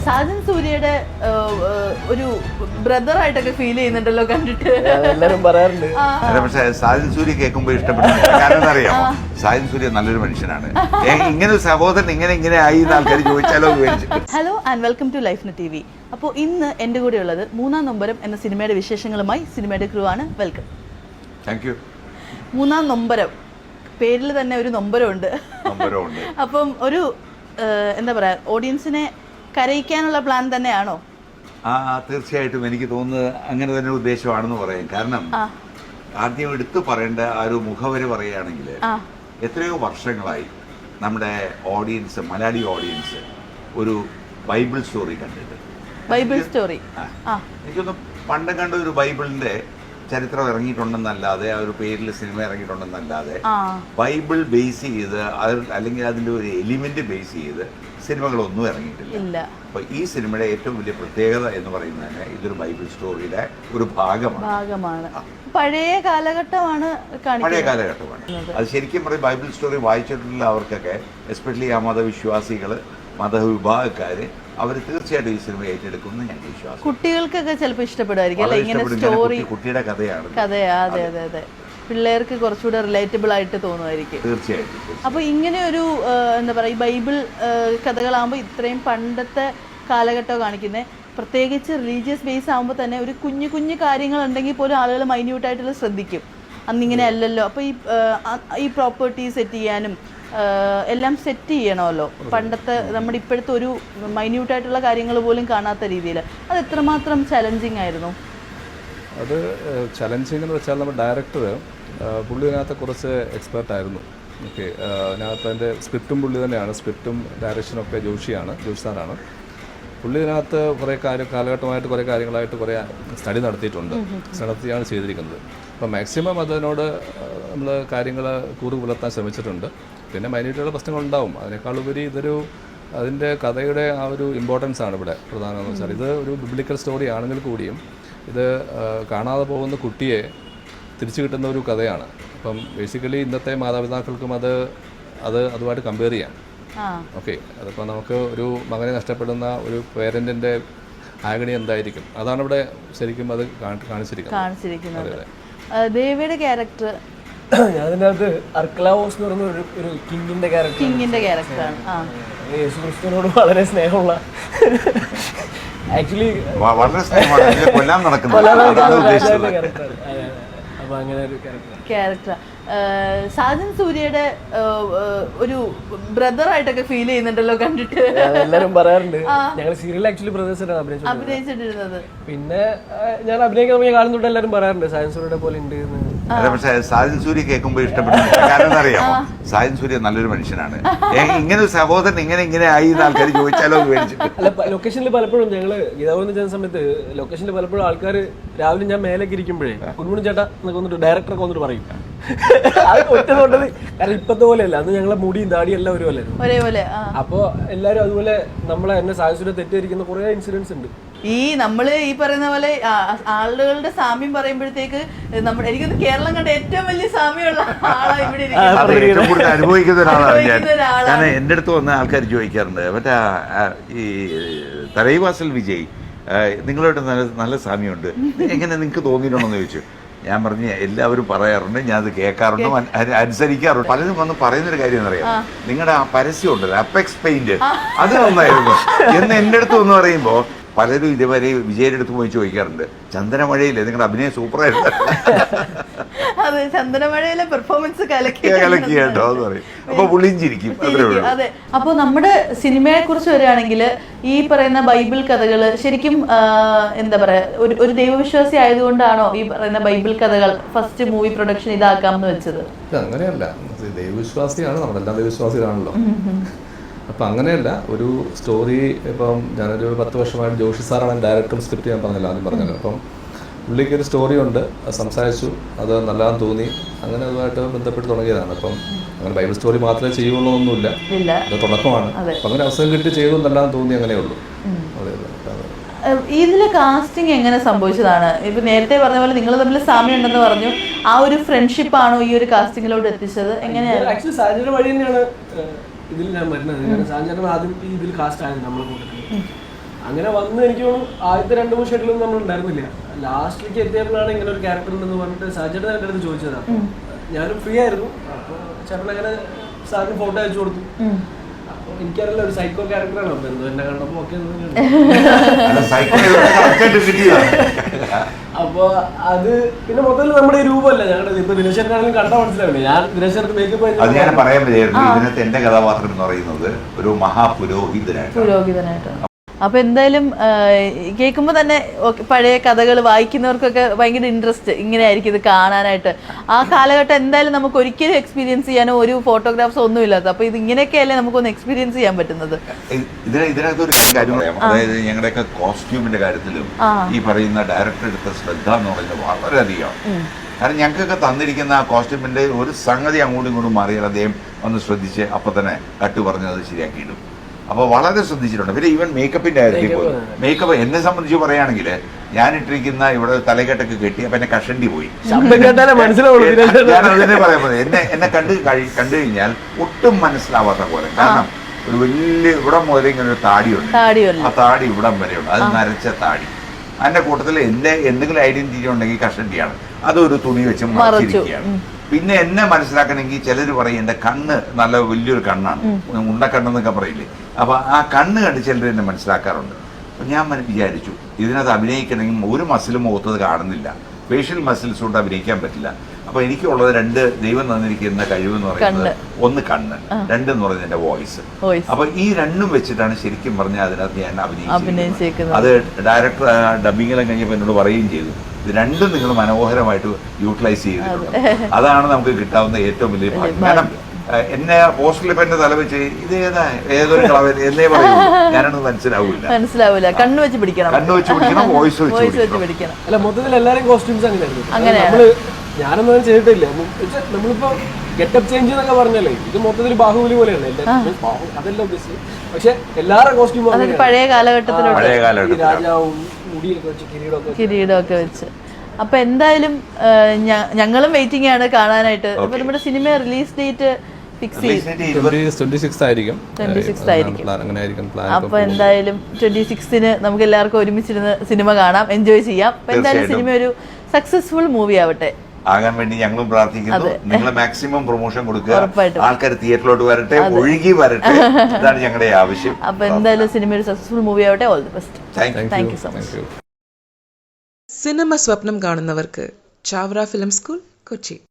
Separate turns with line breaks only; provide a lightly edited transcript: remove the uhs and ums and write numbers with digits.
സാജൻ സൂര്യയുടെ ഒരു ബ്രദർ ആയിട്ടൊക്കെ ഫീൽ ചെയ്യുന്നുണ്ടല്ലോ കണ്ടിട്ട്
എല്ലാരും പറയാറുണ്ട്.
പക്ഷേ സാജൻ സൂര്യ കേൾക്കുമ്പോൾ ഇഷ്ടപ്പെടുന്നു. കാരണം അറിയാമോ, സാജൻ സൂര്യ നല്ലൊരു മനുഷ്യനാണ്. ഇങ്ങനെ ഒരു സഹോദരൻ ഇങ്ങനെ ആയി എന്ന് ആൾക്കാർ ചോദിച്ചാലോ വിചാരിച്ചിട്ട്.
Hello and welcome to life TV. അപ്പോൾ ഇന്ന് എൻ്റെ കൂടെ ഉള്ളത് മൂന്നാം നൊമ്പരം എന്ന സിനിമയുടെ വിശേഷങ്ങളുമായി സിനിമയുടെ ക്രൂ ആണ്. വെൽക്കം.
Thank you.
മൂന്നാം നൊമ്പരം, പേരിൽ തന്നെ ഒരു നൊമ്പരമുണ്ട്. അപ്പം ഒരു എന്താ പറയുക, ഓഡിയൻസിനെ കരയിക്കാനുള്ള പ്ലാൻ തന്നെയാണോ?
തീർച്ചയായിട്ടും എനിക്ക് തോന്നുന്നത് അങ്ങനെ തന്നെ ഉദ്ദേശമാണെന്ന് പറയും. കാരണം ആദ്യം എടുത്തു പറയേണ്ട ആ ഒരു മുഖവര് പറയുകയാണെങ്കിൽ എത്രയോ വർഷങ്ങളായി നമ്മുടെ ഓഡിയൻസ്, മലയാളി ഓഡിയൻസ് ഒരു ബൈബിൾ സ്റ്റോറി കണ്ടിട്ട്.
ബൈബിൾ സ്റ്റോറി
എനിക്കൊന്ന് പണ്ട് കണ്ട ഒരു ബൈബിളിന്റെ ചരിത്രം ഇറങ്ങിയിട്ടുണ്ടെന്നല്ലാതെ, ആ ഒരു പേരിൽ സിനിമ ഇറങ്ങിയിട്ടുണ്ടെന്നല്ലാതെ ബൈബിൾ ബേസ് ചെയ്ത് അല്ലെങ്കിൽ അതിൻ്റെ ഒരു എലിമെന്റ് ബേസ് ചെയ്ത് സിനിമകളൊന്നും ഇറങ്ങിയിട്ടില്ല. അപ്പൊ ഈ സിനിമയുടെ ഏറ്റവും വലിയ പ്രത്യേകത എന്ന് പറയുന്നത് ഇതൊരു ബൈബിൾ സ്റ്റോറിയുടെ ഒരു ഭാഗമാണ്.
പഴയ കാലഘട്ടമാണ്.
അത് ശരിക്കും പറയും ബൈബിൾ സ്റ്റോറി വായിച്ചിട്ടുള്ള അവർക്കൊക്കെ, എസ്പെഷ്യലി ആ മതവിശ്വാസികള്, മതവിഭാഗക്കാര്, അവർ തീർച്ചയായിട്ടും ഈ സിനിമ ഏറ്റെടുക്കുമെന്ന് ഞാൻ വിശ്വാസം.
കുട്ടികൾക്കൊക്കെ ചിലപ്പോൾ ഇഷ്ടപ്പെടുമായിരിക്കും അല്ലെ? ഇങ്ങനെ സ്റ്റോറി,
കുട്ടിയുടെ കഥയാണ്.
അതെ അതെ അതെ, പിള്ളേർക്ക് കുറച്ചുകൂടെ റിലേറ്റബിൾ ആയിട്ട് തോന്നുമായിരിക്കും.
തീർച്ചയായിട്ടും.
അപ്പൊ ഇങ്ങനെ ഒരു എന്താ പറയുക, ബൈബിൾ കഥകളാകുമ്പോൾ ഇത്രയും പണ്ടത്തെ കാലഘട്ടം കാണിക്കുന്നത്, പ്രത്യേകിച്ച് റിലീജിയസ് ബേസ് ആകുമ്പോൾ തന്നെ ഒരു കുഞ്ഞു കുഞ്ഞു കാര്യങ്ങൾ ഉണ്ടെങ്കിൽ പോലും ആളുകൾ മൈന്യൂട്ടായിട്ടുള്ള ശ്രദ്ധിക്കും. അന്നിങ്ങനെ അല്ലല്ലോ. അപ്പോൾ ഈ പ്രോപ്പർട്ടി സെറ്റ് ചെയ്യാനും എല്ലാം സെറ്റ് ചെയ്യണമല്ലോ. പണ്ടത്തെ നമ്മുടെ ഇപ്പോഴത്തെ ഒരു മൈന്യൂട്ടായിട്ടുള്ള കാര്യങ്ങൾ പോലും കാണാത്ത രീതിയിൽ അത് എത്രമാത്രം ചലഞ്ചിങ് ആയിരുന്നു?
അത് ചലഞ്ചിങ് എന്ന് വെച്ചാൽ നമ്മുടെ ഡയറക്ടർ പുള്ളി അതിനകത്ത് കുറച്ച് എക്സ്പെർട്ട് ആയിരുന്നു. ഓക്കെ, അതിനകത്ത് അതിൻ്റെ സ്ക്രിപ്റ്റും പുള്ളി തന്നെയാണ്, സ്ക്രിപ്റ്റും ഡയറക്ഷനും ഒക്കെ ജോഷി സാറാണ്. പുള്ളി ഇതിനകത്ത് കുറേ കാലഘട്ടമായിട്ട് കുറേ കാര്യങ്ങളായിട്ട് കുറേ സ്റ്റഡി നടത്തിയാണ് ചെയ്തിരിക്കുന്നത്. അപ്പോൾ മാക്സിമം അതിനോട് നമ്മൾ കാര്യങ്ങൾ പുലർത്താൻ ശ്രമിച്ചിട്ടുണ്ട്. പിന്നെ മൈന്യൂട്ടുള്ള പ്രശ്നങ്ങളുണ്ടാവും. അതിനേക്കാളുപരി അതിൻ്റെ കഥയുടെ ആ ഒരു ഇമ്പോർട്ടൻസ് ആണ് ഇവിടെ പ്രധാനമെന്ന് വെച്ചാൽ, ഇത് ഒരു ബിബ്ലിക്കൽ സ്റ്റോറി ആണെങ്കിൽ കൂടിയും ഇത് കാണാതെ പോകുന്ന കുട്ടിയെ തിരിച്ചു കിട്ടുന്ന ഒരു കഥയാണ്. അപ്പം ബേസിക്കലി ഇന്നത്തെ മാതാപിതാക്കൾക്കും അതുമായിട്ട് കമ്പയർ ചെയ്യാം. ഓക്കെ, അതിപ്പോൾ നമുക്ക് ഒരു മകനെ നഷ്ടപ്പെടുന്ന ഒരു പേരൻറ്റിൻ്റെ ആഗണി എന്തായിരിക്കും, അതാണ് ഇവിടെ ശരിക്കും അത് കാണിച്ചിരിക്കുന്നത്.
ദേവിയുടെ ക്യാരക്ടർ,
അതിനകത്ത് അർക്കലാവോസ് എന്ന് പറയുന്ന ഒരു കിങ്ങിന്റെ
ക്യാരക്ടറാണ്.
യേശുക്രിസ്തുവിനോട് വളരെ സ്നേഹമുള്ള, ആക്ച്വലി
വളരെ സ്നേഹമാണ്, കൊല്ലാൻ നടക്കുന്ന
അപ്പൊ അങ്ങനെ ഒരു ക്യാരക്ടർ.
സാജൻ സൂര്യയുടെ ഒരു ബ്രദർ ആയിട്ടൊക്കെ ഫീൽ ചെയ്യുന്നുണ്ടല്ലോ കണ്ടിട്ട്.
എല്ലാരും പറയാറുണ്ട്. ഞങ്ങൾ സീരിയൽ ആക്ച്വലി ബ്രദേഴ്സാണ്
അഭിനയിച്ചിട്ടിരുന്നത്.
പിന്നെ ഞാൻ അഭിനയിക്കാൻ കാണുന്നുണ്ട്, എല്ലാരും പറയാറുണ്ട് സാജൻ സൂര്യയുടെ പോലെ ഉണ്ട്.
പക്ഷേ സാജൻ സൂര്യ കേൾക്കുമ്പോൾ ഇഷ്ടപ്പെടുന്നു. കാരണം അറിയാമോ, സാജൻ സൂര്യ നല്ലൊരു മനുഷ്യനാണ്. ഇങ്ങനെ ഒരു സഹോദരൻ ഇങ്ങനെ ആയി എന്ന് ആൾക്കാർ ചോദിച്ചാലോ വിചാരിച്ചിട്ട്.
അല്ല, ലൊക്കേഷനിൽ പലപ്പോഴും ഞങ്ങള് ഗീതാവോന്ന് ചെയ്യുന്ന സമയത്ത് ലൊക്കേഷനിൽ പലപ്പോഴും ആൾക്കാർ രാവിലെ ഞാൻ മേലേക്ക് ഇരിക്കുമ്പോഴേ കുഞ്ഞുമണി ചേട്ടാ എന്നൊക്കെ വന്നിട്ട് ഡയറക്ടറൊക്കെ വന്നിട്ട് പറയും. അത് ഒറ്റതുകൊണ്ടത്, കാരണം ഇപ്പത്തെ പോലെയല്ല, അന്ന് ഞങ്ങളെ മുടിയും താടിയും എല്ലാം ഒരേപോലെ. അപ്പൊ എല്ലാരും അതുപോലെ നമ്മളെ എന്നെ സാഹചര്യം തെറ്റിയിരിക്കുന്ന കുറെ ഇൻസിഡൻസ് ഉണ്ട്.
നമ്മള് ഈ പറയുന്ന പോലെ ആളുകളുടെ സാമ്യം പറയുമ്പോഴത്തേക്ക് എനിക്കൊന്ന് കേരളം കണ്ട ഏറ്റവും വലിയ സാമ്യമുള്ള ആളാ ഇവിടെ
അനുഭവിക്കുന്ന ഒരാളാണ് ഞാൻ. കാരണം എൻ്റെ അടുത്ത് വന്ന ആൾക്കാർ ചോദിക്കാറുണ്ട്, മറ്റേ ഈ തലൈവാസൽ വിജയ് നിങ്ങളോട് നല്ല സാമ്യമുണ്ട്, എങ്ങനെ നിങ്ങൾക്ക് തോന്നിയിട്ടുണ്ടെന്ന് ചോദിച്ചു. ഞാൻ പറഞ്ഞു, എല്ലാവരും പറയാറുണ്ട്, ഞാൻ അത് കേൾക്കാറുണ്ട്, അനുസരിക്കാറുണ്ട്. പലരും വന്ന് പറയുന്നൊരു കാര്യം എന്നറിയാം, നിങ്ങളുടെ ആ പരസ്യം ഉണ്ടല്ലോ അപ്പെക്സ് പെയിന്റ്, അത് നന്നായിരുന്നു എന്ന് എൻ്റെ അടുത്ത് വന്ന് പറയുമ്പോൾ പലരും ഇതുവരെ വിജയുടെ അടുത്ത് പോയി ചോദിക്കാറുണ്ട്, ചന്ദനമഴയില്ലേ നിങ്ങളുടെ അഭിനയം സൂപ്പറായിരുന്നു.
അതെ, ചന്ദനമഴയിലെ പെർഫോമൻസ് കലക്കി
കേട്ടോ എന്ന് പറയും. അപ്പൊ പുള്ളിഞ്ചിരിക്കും.
അതെ. അപ്പോൾ നമ്മുടെ സിനിമയെ കുറിച്ച് വരികയാണെങ്കിൽ ഈ പറയുന്ന ബൈബിൾ കഥകൾ ശരിക്കും എന്താ പറയാ, ഒരു ദൈവവിശ്വാസി ആയതുകൊണ്ടാണോ ഈ പറയുന്ന ബൈബിൾ കഥകൾ ഫസ്റ്റ് മൂവി പ്രൊഡക്ഷൻ ഇതാക്കാമെന്ന് വെച്ചത്?
അങ്ങനെയല്ല, ദൈവവിശ്വാസിയാണ്, നമ്മളെല്ലാം ദൈവവിശ്വാസികളാണല്ലോ. അപ്പം അങ്ങനെയല്ല, ഒരു സ്റ്റോറി ഇപ്പം ഞാനൊരു 10 വർഷമായിട്ട് ജോഷി സാറാണ് ഡയറക്ടർ, സ്ക്രിപ്റ്റ് ഞാൻ ആദ്യം പറഞ്ഞല്ലോ. അപ്പം പുള്ളിക്ക് ഒരു സ്റ്റോറി ഉണ്ട്, അത് സംസാരിച്ചു, അത് നല്ലതാന്ന് തോന്നി, അങ്ങനെ അതുമായിട്ട് ബന്ധപ്പെട്ട് തുടങ്ങിയതാണ്. അപ്പം അങ്ങനെ ബൈബിൾ സ്റ്റോറി മാത്രമേ ചെയ്യുള്ളൂ ഒന്നുമില്ല, അത് തുടക്കമാണ്. അപ്പം അങ്ങനെ അവസരം കിട്ടി ചെയ്തു നല്ലതാന്ന് തോന്നി, അങ്ങനെയുള്ളൂ.
ഇതിലെ കാസ്റ്റിംഗ് എങ്ങനെ സംഭവിച്ചതാണ്? ഇപ്പൊ നേരത്തെ പറഞ്ഞ പോലെ നിങ്ങൾ തമ്മിൽ സാമ്യം ഉണ്ടെന്ന് പറഞ്ഞു, ആ ഒരു ഫ്രണ്ട്ഷിപ്പ് ആണോ ഈ ഒരു കാസ്റ്റിംഗിലോട്ട് എത്തിച്ചത്? എങ്ങനെയാണ്?
ഇതിൽ ഞാൻ വരുന്നത് സാഞ്ചേട്ടൻ ആദ്യം ഇതിൽ കാസ്റ്റ് ആയിരുന്നു നമ്മളെ കൂട്ടത്തിൽ.
അങ്ങനെ വന്ന് എനിക്ക് തോന്നുന്നു ആദ്യത്തെ 2-3 ഷെഡിലൊന്നും നമ്മൾ ഉണ്ടായിരുന്നില്ല. ലാസ്റ്റിലേക്ക് എത്തിയപ്പോഴാണ് ഇങ്ങനെ ഒരു ക്യാരക്ടർ ഉണ്ടെന്ന് പറഞ്ഞിട്ട് സാജേട്ടൻ എൻ്റെ അടുത്ത് ചോദിച്ചത്. അപ്പോൾ ഞാനും ഫ്രീ ആയിരുന്നു. അപ്പോൾ ചേട്ടൻ അങ്ങനെ സാറിന് ഫോട്ടോ അയച്ചു കൊടുത്തു. അപ്പോൾ എനിക്കറിയില്ല ഒരു സൈക്കോ ക്യാരക്ടറാണ്. അപ്പോൾ എന്തോ എന്നെ കണ്ടപ്പോൾ ഓക്കെ. അപ്പോൾ അത് പിന്നെ മൊത്തത്തിൽ നമ്മുടെ ഈ രൂപമല്ല ഞങ്ങളുടെ. ഇപ്പൊ ദിനേശനാണെങ്കിലും കണ്ടാൽ മനസ്സിലാവില്ലേ, ഞാൻ ദിനേശർക്ക് മേക്കപ്പ്
അത് ഞാൻ പറയാൻ പറ്റിയായിരുന്നു. ഇതിനകത്ത് എന്റെ കഥാപാത്രം എന്ന് പറയുന്നത് ഒരു മഹാപുരോഹിതനായിട്ടാണ്.
അപ്പൊ എന്തായാലും കേൾക്കുമ്പോൾ തന്നെ പഴയ കഥകൾ വായിക്കുന്നവർക്കൊക്കെ ഭയങ്കര ഇൻട്രസ്റ്റ് ഇങ്ങനെ ആയിരിക്കും ഇത് കാണാനായിട്ട്. ആ കാലഘട്ടം എന്തായാലും നമുക്ക് ഒരിക്കലും എക്സ്പീരിയൻസ് ചെയ്യാനോ ഒരു ഫോട്ടോഗ്രാഫ്സ് ഒന്നും ഇല്ലാത്ത. അപ്പൊ ഇത് ഇങ്ങനെയൊക്കെയല്ലേ നമുക്കൊന്ന് എക്സ്പീരിയൻസ് ചെയ്യാൻ പറ്റുന്നത്.
ഇതിനകത്ത് ഒരു കാര്യം പറയാം. അതായത് ഞങ്ങളുടെയൊക്കെ കോസ്റ്റ്യൂമിന്റെ കാര്യത്തിലും ഈ പറയുന്ന ഡയറക്ടർ എടുത്ത ശ്രദ്ധ എന്ന് പറയുന്നത് വളരെയധികം. കാരണം ഞങ്ങൾക്കൊക്കെ തന്നിരിക്കുന്ന ആ കോസ്റ്റ്യൂമിന്റെ ഒരു സംഗതി അങ്ങോട്ടും ഇങ്ങോട്ടും മാറിയാൽ അദ്ദേഹം ഒന്ന് ശ്രദ്ധിച്ച് അപ്പൊ തന്നെ കട്ട് പറഞ്ഞത് ശരിയാക്കിയിടും. അപ്പോൾ വളരെ ശ്രദ്ധിച്ചിട്ടുണ്ട്. പിന്നെ ഈവൻ മേക്കപ്പിന്റെ കാര്യത്തിൽ പോലും മേക്കപ്പ് എന്നെ സംബന്ധിച്ച് പറയുകയാണെങ്കിൽ ഞാൻ ഇട്ടിരിക്കുന്ന ഇവിടെ തലകെട്ടൊക്കെ കെട്ടി അപ്പൊ എന്നെ കഷണ്ടി പോയി. ഞാൻ അതിനെ പറയാൻ പറ്റും. എന്നെ കണ്ടു കഴിഞ്ഞാൽ ഒട്ടും മനസ്സിലാവാത്ത പോലെ. കാരണം ഒരു വലിയ ഇവിടം മുതൽ ഇങ്ങനെ ഒരു താടിയുണ്ട്. ആ താടി ഇവിടം വരെയുണ്ട്. അത് നരച്ച താടി. അതിന്റെ കൂട്ടത്തിൽ എന്റെ എന്തെങ്കിലും ഐഡന്റിറ്റി ഉണ്ടെങ്കിൽ കഷണ്ടിയാണ്. അതൊരു തുണി വെച്ച് മറച്ചിരിക്കുകയാണ്. പിന്നെ എന്നെ മനസ്സിലാക്കണമെങ്കിൽ ചിലർ പറയും എൻ്റെ കണ്ണ് നല്ല വലിയൊരു കണ്ണാണ്, ഉണ്ടക്കണ്ണെന്നൊക്കെ പറയില്ലേ. അപ്പൊ ആ കണ്ണ് കണ്ട് ചിലർ എന്നെ മനസ്സിലാക്കാറുണ്ട്. അപ്പൊ ഞാൻ വിചാരിച്ചു ഇതിനകത്ത് അഭിനയിക്കണമെങ്കിൽ ഒരു മസിലും മുഖത്തത് കാണുന്നില്ല, ഫേഷ്യൽ മസിൽസ് കൊണ്ട് അഭിനയിക്കാൻ പറ്റില്ല. അപ്പൊ എനിക്കുള്ളത് 2 ദൈവം തന്നിരിക്കുന്ന കഴിവെന്ന് പറയുന്നത്, ഒന്ന് കണ്ണ്, 2 എന്ന് പറയുന്നത് എന്റെ വോയിസ്. അപ്പൊ ഈ 2ഉം വെച്ചിട്ടാണ് ശരിക്കും പറഞ്ഞാൽ അതിനകത്ത് ഞാൻ അഭിനയിച്ചത്. അത് ഡയറക്ടർ ഡബിങ്ങിലും കഴിഞ്ഞപ്പോൾ എന്നോട് പറയുകയും ചെയ്തു, ഇത് 2ഉം നിങ്ങൾ മനോഹരമായിട്ട് യൂട്ടിലൈസ് ചെയ്തിട്ടുണ്ട്. അതാണ് നമുക്ക് കിട്ടാവുന്ന ഏറ്റവും വലിയ ഭാഗ്യം. കാരണം എന്നെ പോസ്റ്ററിൽ ഇപ്പൊ എന്റെ തല വെച്ച് ഇത് ഏതൊരു കളവൻ എന്നേ പറയൂ, ഞാനൊന്നും മനസ്സിലാവില്ല.
കണ്ണു വെച്ച് പിടിക്കണം,
വോയിസ് വെച്ച്
പിടിക്കണം.
അല്ല മൊത്തത്തിൽ എല്ലാവരും കോസ്റ്റ്യൂംസ് അങ്ങനെയായിരുന്നു. ഞാനൊന്നും ചെയ്തിട്ടില്ല. നമ്മളിപ്പോ ഗെറ്റപ്പ് ചേഞ്ച് എന്നൊക്കെ പറഞ്ഞല്ലേ, ഇത് മൊത്തത്തിൽ ബാഹുബലി പോലെയാണ്. അതെല്ലാം ഉദ്ദേശിച്ചത്. പക്ഷെ എല്ലാവരുടെ കോസ്റ്റ്യൂം
പഴയ കാലഘട്ടത്തിലുള്ള
രാജാവും മുടിയൊക്കെ വെച്ച്
കിരീടമൊക്കെ വെച്ച്. അപ്പൊ എന്തായാലും ഞങ്ങളും വെയിറ്റിംഗ് ആണ് കാണാനായിട്ട്. അപ്പൊ നമ്മുടെ സിനിമ റിലീസ് ഡേറ്റ് ഫിക്സ് ചെയ്തു
26 ആയിരിക്കും.
അപ്പൊ എന്തായാലും 26-ന് നമുക്ക് എല്ലാവർക്കും ഒരുമിച്ചിരുന്ന് സിനിമ കാണാം, എൻജോയ് ചെയ്യാം. അപ്പൊ എന്തായാലും സിനിമ ഒരു സക്സസ്ഫുൾ മൂവി
ആകാൻ വേണ്ടി ഞങ്ങളും പ്രാർത്ഥിക്കുന്നു. നിങ്ങൾ മാക്സിമം പ്രൊമോഷൻ കൊടുക്കുക, ആൾക്കാർ തിയേറ്ററിലോട്ട് വരട്ടെ, ഒഴുകി വരട്ടെ, ഇതാണ് ഞങ്ങളുടെ ആവശ്യം.
അപ്പൊ എന്തായാലും സിനിമ ഒരു സക്സസ്ഫുൾ മൂവി ആവട്ടെ. All the best. Thank you so much.
സിനിമ സ്വപ്നം കാണുന്നവർക്ക് ചാവറ ഫിലിം സ്കൂൾ, കൊച്ചി.